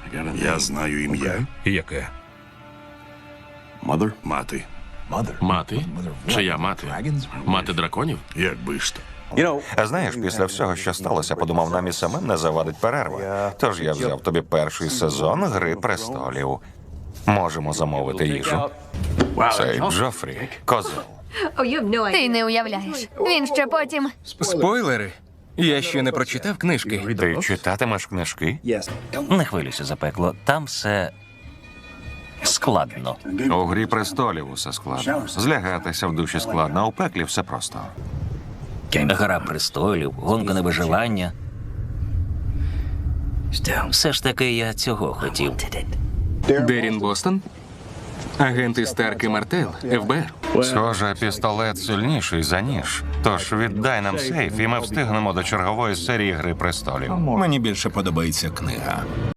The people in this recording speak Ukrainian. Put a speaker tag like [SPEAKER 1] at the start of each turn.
[SPEAKER 1] Я знаю ім'я.
[SPEAKER 2] Яке?
[SPEAKER 1] Мати.
[SPEAKER 3] Мати? Чия мати? Мати драконів?
[SPEAKER 1] Якби ж то.
[SPEAKER 4] А знаєш, після всього, що сталося, подумав, нам і самим не завадить перерва. Тож я взяв тобі перший сезон «Гри престолів». Можемо замовити їжу. Цей Джофрі – козел.
[SPEAKER 5] Ти не уявляєш. Він ще потім.
[SPEAKER 2] Спойлери? Я ще не прочитав книжки.
[SPEAKER 4] Ти читатимеш книжки?
[SPEAKER 6] Не хвилюйся за пекло, там все складно.
[SPEAKER 4] У «Грі престолів» усе складно. Злягатися в душі складно, а у пеклі все просто.
[SPEAKER 6] Гра престолів, гонка на виживання. Все ж таки я цього хотів.
[SPEAKER 2] Дерін Бостон? Агенти Старк і Мартел, ФБР.
[SPEAKER 4] Схоже, пістолет сильніший за ніж. Тож віддай нам сейф, і ми встигнемо до чергової серії «Гри престолів».
[SPEAKER 7] Мені більше подобається книга.